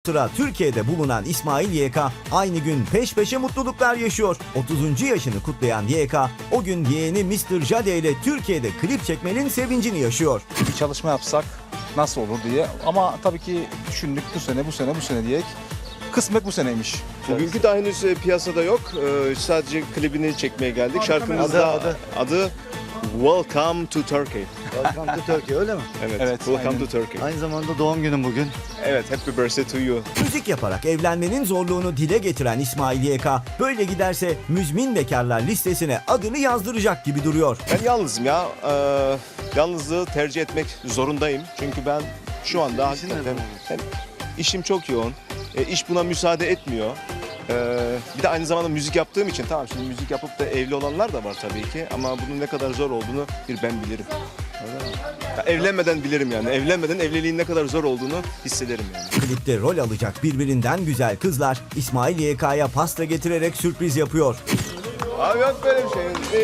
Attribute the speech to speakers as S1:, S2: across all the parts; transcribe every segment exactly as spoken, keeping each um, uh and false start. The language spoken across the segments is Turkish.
S1: Sıra Türkiye'de bulunan İsmail Y K aynı gün peş peşe mutluluklar yaşıyor. otuzuncu yaşını kutlayan Y K o gün yeğeni mister Jade ile Türkiye'de klip çekmenin sevincini yaşıyor.
S2: Bir çalışma yapsak nasıl olur diye, ama tabii ki düşündük bu sene bu sene bu sene diye. Kısmet bu seneymiş.
S3: Bugünkü daha henüz e, piyasada yok. Ee, sadece klibini çekmeye geldik. Şarkımız da
S4: Adı, adı.
S3: adı Welcome to Turkey.
S4: Welcome to Turkey, öyle mi?
S3: Evet,
S2: Evet,
S3: Welcome
S2: aynen.
S3: to Turkey.
S4: Aynı zamanda doğum günüm bugün.
S3: Evet, Happy Birthday to you.
S1: Müzik yaparak evlenmenin zorluğunu dile getiren İsmail Y K böyle giderse müzmin bekarlar listesine adını yazdıracak gibi duruyor.
S3: Ben yalnızım ya. Ee, yalnızlığı tercih etmek zorundayım. Çünkü ben şu anda
S4: İşin
S3: hakikaten
S4: neden?
S3: hem işim çok yoğun. E, iş buna müsaade etmiyor. Ee, bir de aynı zamanda müzik yaptığım için, tamam şimdi müzik yapıp da evli olanlar da var tabii ki, ama bunun ne kadar zor olduğunu bir ben bilirim. Ya, evlenmeden bilirim yani. Evlenmeden evliliğin ne kadar zor olduğunu hissederim yani.
S1: Klipte rol alacak birbirinden güzel kızlar İsmail Y K'ya pasta getirerek sürpriz yapıyor.
S3: Abi yok böyle bir şey.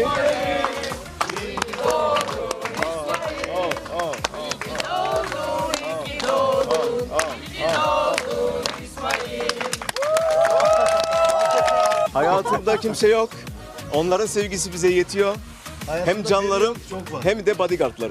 S3: Hayatımda kimse yok. Onların sevgisi bize yetiyor. Hem canlarım
S4: çok var.
S3: hem de bodyguardlarım.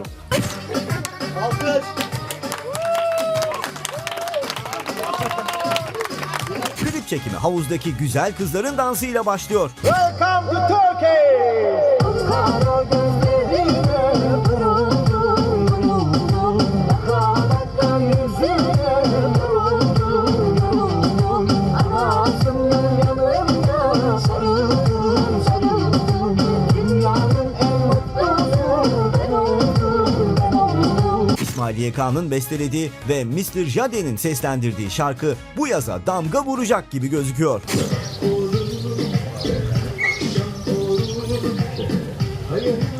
S1: Klip çekimi havuzdaki güzel kızların dansıyla başlıyor.
S5: Welcome to Turkey! Kara gözlerine vuruldum, vuruldum. Hakaretten yüzüne vuruldum, vuruldum. Anasının yanında sarıldım, sarıldım. Dünyanın en mutlusu ben oldum, ben oldum.
S1: İsmail Y K'nın bestelediği ve mister Jade'nin seslendirdiği şarkı bu yaza damga vuracak gibi gözüküyor.
S5: Hayır.